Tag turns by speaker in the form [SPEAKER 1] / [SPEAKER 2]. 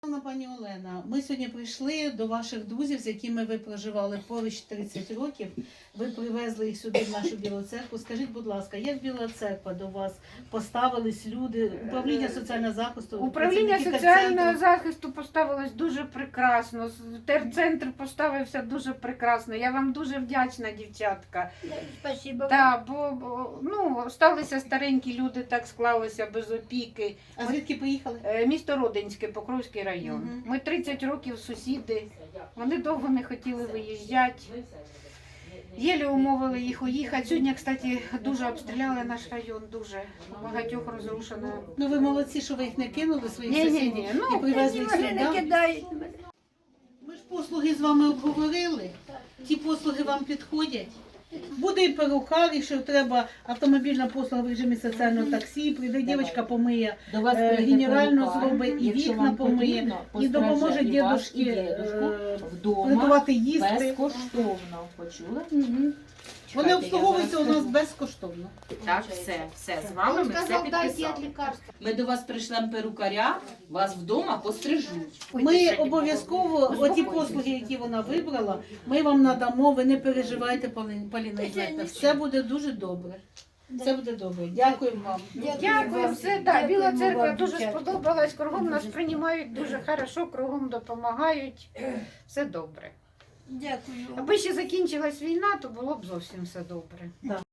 [SPEAKER 1] Пані Олена, ми сьогодні прийшли до ваших друзів, з якими ви проживали поруч 30 років. Ви привезли їх сюди, в нашу Білу церкву. Скажіть, будь ласка, як Біла церква до вас поставились люди, управління соціального захисту?
[SPEAKER 2] Управління соціального захисту поставилось дуже прекрасно, терцентр поставився дуже прекрасно. Я вам дуже вдячна, дівчатка.
[SPEAKER 3] Спасибо.
[SPEAKER 2] Да, бо сталися старенькі люди, так склалося, без опіки.
[SPEAKER 1] А звідки приїхали?
[SPEAKER 2] Місто Родинське, Покровський район.
[SPEAKER 1] Мгм.
[SPEAKER 2] Ми 30 років сусіди, вони довго не хотіли виїжджати. Єлі умовили їх уїхати. Сьогодні, кстати, дуже обстріляли наш район, дуже багатьох розрушено.
[SPEAKER 1] Ну ви молодці, що ви їх не кинули, своїх
[SPEAKER 2] Ні,
[SPEAKER 1] сусідів,
[SPEAKER 2] ні,
[SPEAKER 1] і привезли їх
[SPEAKER 3] Вони не
[SPEAKER 1] сюди.
[SPEAKER 3] кидають.
[SPEAKER 1] Ми ж послуги з вами обговорили. Ті послуги вам підходять. Буде і перукар, якщо треба автомобільна послуга в режимі соціального таксі, прийде дівчинка, помиє,
[SPEAKER 4] До вас прийде
[SPEAKER 1] генерально
[SPEAKER 4] перукар,
[SPEAKER 1] зробить, і
[SPEAKER 4] якщо
[SPEAKER 1] вікна
[SPEAKER 4] вам
[SPEAKER 1] помиє,
[SPEAKER 4] потрібно,
[SPEAKER 1] і допоможе
[SPEAKER 4] постриже і вас, і
[SPEAKER 1] дідушки
[SPEAKER 4] дідушку вдома
[SPEAKER 1] приготувати їсти.
[SPEAKER 4] безкоштовно. Почули?
[SPEAKER 1] Мгм. Вони
[SPEAKER 4] Чекайте,
[SPEAKER 1] обслуговуються
[SPEAKER 4] я
[SPEAKER 1] у нас
[SPEAKER 4] зараз
[SPEAKER 1] безкоштовно.
[SPEAKER 4] Так, все з вами ми все підписали. Ми до вас прийшлемо перукаря, вас вдома пострижуть.
[SPEAKER 1] Ми обов'язково оті послуги, які вона вибрала, ми вам надамо. Ви не переживайте, Поліна Ігнатівна. Все буде дуже добре. Все буде добре. Дякуємо вам.
[SPEAKER 2] Дякую, все, да, Біла церква дуже сподобалась, кругом нас приймають дуже хорошо, кругом допомагають, все добре.
[SPEAKER 3] Дякую.
[SPEAKER 2] Аби ще закінчилась війна, то було б зовсім все добре.